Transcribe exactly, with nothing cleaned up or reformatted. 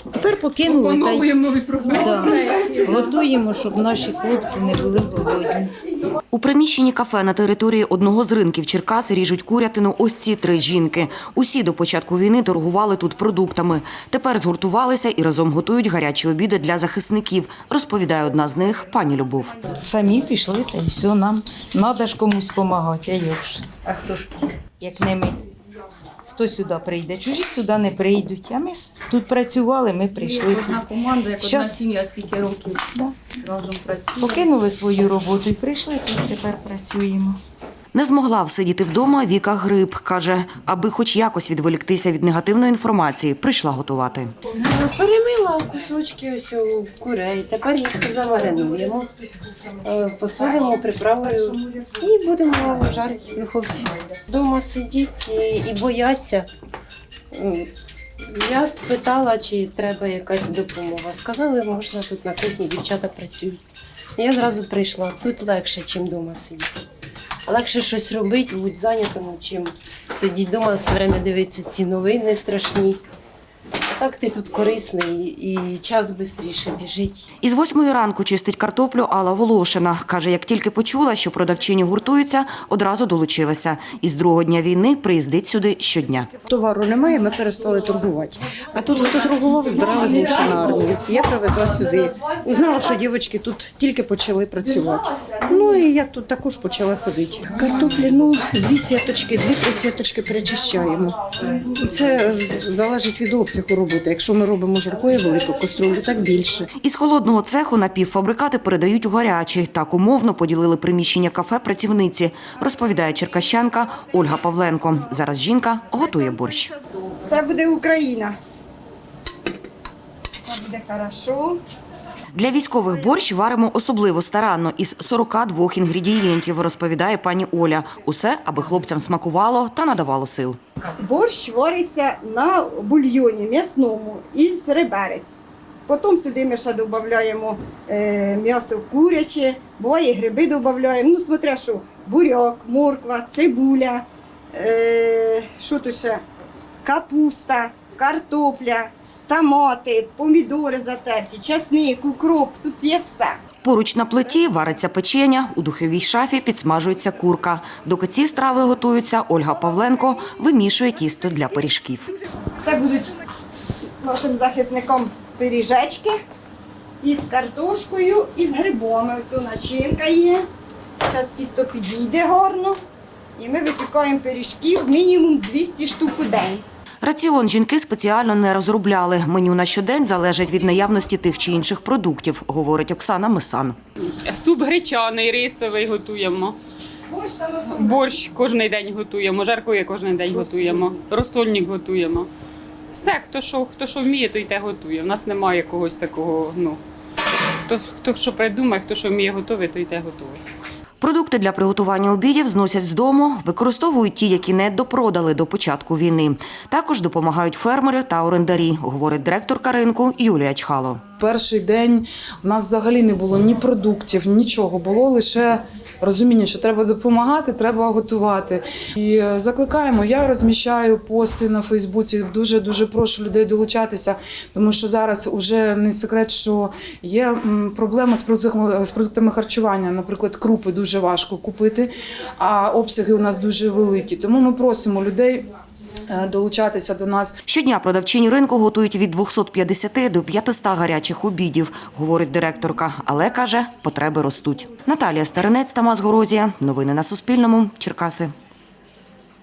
Тепер покинули та й нові да, готуємо, щоб наші хлопці не були голодні. У приміщенні кафе на території одного з ринків Черкас ріжуть курятину ось ці три жінки. Усі до початку війни торгували тут продуктами. Тепер згуртувалися і разом готують гарячі обіди для захисників, розповідає одна з них пані Любов. Самі пішли, та й все, нам треба ж комусь допомагати, а як ж? А хто ж, як не ми? Хто сюди прийде? Чужі сюди не прийдуть, а ми тут працювали, ми прийшли сюди. Одна команда, як одна Щас- сім'я, скільки років Да. разом працює. Покинули свою роботу і прийшли, тут тепер працюємо. Не змогла всидіти вдома Віка Гриб. Каже, аби хоч якось відволіктися від негативної інформації, прийшла готувати. Перемила кусочки ось у курей, тепер їх замаринуємо, е, посолимо приправою і будемо жарити в духовці. Дома сидіть і, і бояться. М, Я спитала, чи треба якась допомога. Сказали, можна тут на кухні, дівчата працюють. Я зразу прийшла. Тут легше, ніж вдома сидіти. Легше щось робити, будь зайнятому, чим сидіти вдома, все время дивитися ці новини страшні. А так ти тут корисний і час швидше біжить. Із восьмої ранку чистить картоплю Алла Волошина. Каже, як тільки почула, що продавчині гуртуються, одразу долучилася. Із другого дня війни приїздить сюди щодня. Товару немає, ми перестали торгувати. А тут, хто торгував, збирали гроші на армію. Я привезла сюди. Узнала, що дівчатки тут тільки почали працювати. Ну і я тут також почала ходити. Картоплі, ну, дві сіточки, дві-три сіточки перечищаємо. Це з- залежить від обсягу роботи. Якщо ми робимо жаркою велику каструлю, так більше. Із холодного цеху напівфабрикати передають у гарячий. Так умовно поділили приміщення кафе працівниці, розповідає черкащанка Ольга Павленко. Зараз жінка готує борщ. Все буде Україна. Все буде хорошо. Для військових борщ варимо особливо старанно, із сорока двох інгредієнтів, розповідає пані Оля. Усе, аби хлопцям смакувало та надавало сил. Борщ вариться на бульйоні м'ясному із реберець. Потім сюди ми ще додаємо е, м'ясо куряче, буває гриби додаємо. Ну, смотря що, буряк, морква, цибуля, е, що тут ще? Капуста, картопля, томати, помідори затерті, часник, укроп, тут є все. Поруч на плиті вариться печеня, у духовій шафі підсмажується курка. Доки ці страви готуються, Ольга Павленко вимішує тісто для пиріжків. Це будуть нашим захисникам пиріжечки із картошкою і з грибами. Ось начинка є. Зараз тісто підійде гарно. І ми випікаємо пиріжків мінімум двісті штук у день. Раціон жінки спеціально не розробляли. Меню на щодень залежить від наявності тих чи інших продуктів, говорить Оксана Мисан. Суп гречаний, рисовий готуємо. Борщ кожен день готуємо, жаркоє кожен день готуємо, розсольник готуємо. Все, хто що, хто що вміє, той те готує. У нас немає якогось такого, ну, хто, хто що придумає, хто що вміє готувати, той те готує. Продукти для приготування обідів зносять з дому, використовують ті, які не допродали до початку війни. Також допомагають фермери та орендарі, говорить директорка ринку Юлія Чхало. Перший день у нас взагалі не було ні продуктів, нічого. Було лише розуміння, що треба допомагати, треба готувати. І закликаємо, я розміщаю пости на Фейсбуці, дуже-дуже прошу людей долучатися, тому що зараз вже не секрет, що є проблема з продуктами, з продуктами харчування. Наприклад, крупи дуже важко купити, а обсяги у нас дуже великі. Тому ми просимо людей долучатися до нас. Щодня продавчині ринку готують від двохсот п'ятдесяти до п'ятисот гарячих обідів, говорить директорка. Але, каже, потреби ростуть. Наталія Старинець, Тамас Горозія. Новини на Суспільному. Черкаси.